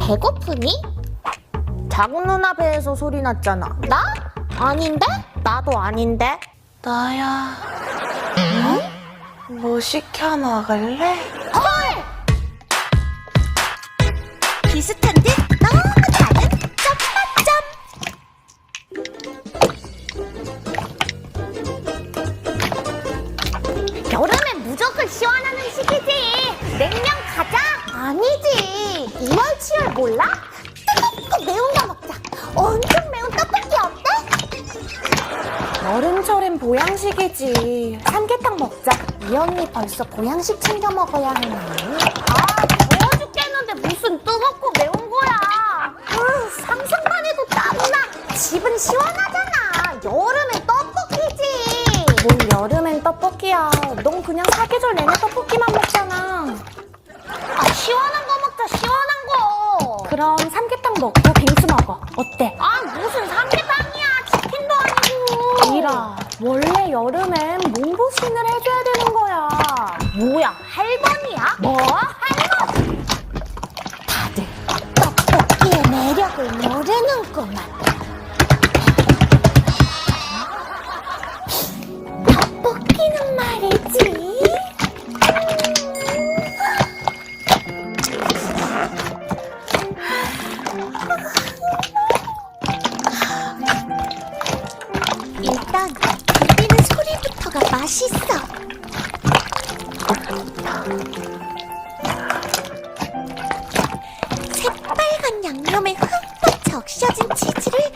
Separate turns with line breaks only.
배고프니? 작은 누나 배에서 소리 났잖아. 나? 아닌데? 나도 아닌데.
나야. 뭐 시켜 먹을래?
헐! 비슷한 듯 너무 다른 점마점. 여름엔 무조건 시원한 음식이지. 냉면 가자. 아니지. 이열치열 몰라? 뜨겁고 매운 거 먹자. 엄청 매운 떡볶이 어때?
여름철엔 보양식이지. 삼계탕 먹자.
이 언니 벌써 보양식 챙겨 먹어야 하는 거니? 아, 더워 죽겠는데 무슨 뜨겁고 매운 거야. 상상만 해도 땀나. 집은 시원하잖아. 여름엔 떡볶이지.
뭘 여름엔 떡볶이야. 넌 그냥 사계절 내내 떡볶이만 먹잖아.
아, 시원한 거 먹자, 시원한 거.
그럼 삼계탕 먹고 빙수 먹어. 어때?
아, 무슨 삼계탕이야. 치킨도 아니고.
이라, 원래 여름엔 몸보신을 해줘야 되는 거야.
뭐야, 할머니야? 뭐? 할머니?
다들
떡볶이의 매력을 모르는구만. 떡볶이는 말이지. 일단 들리는 소리부터가 맛있어. 새빨간 양념에 흠뻑 적셔진 치즈를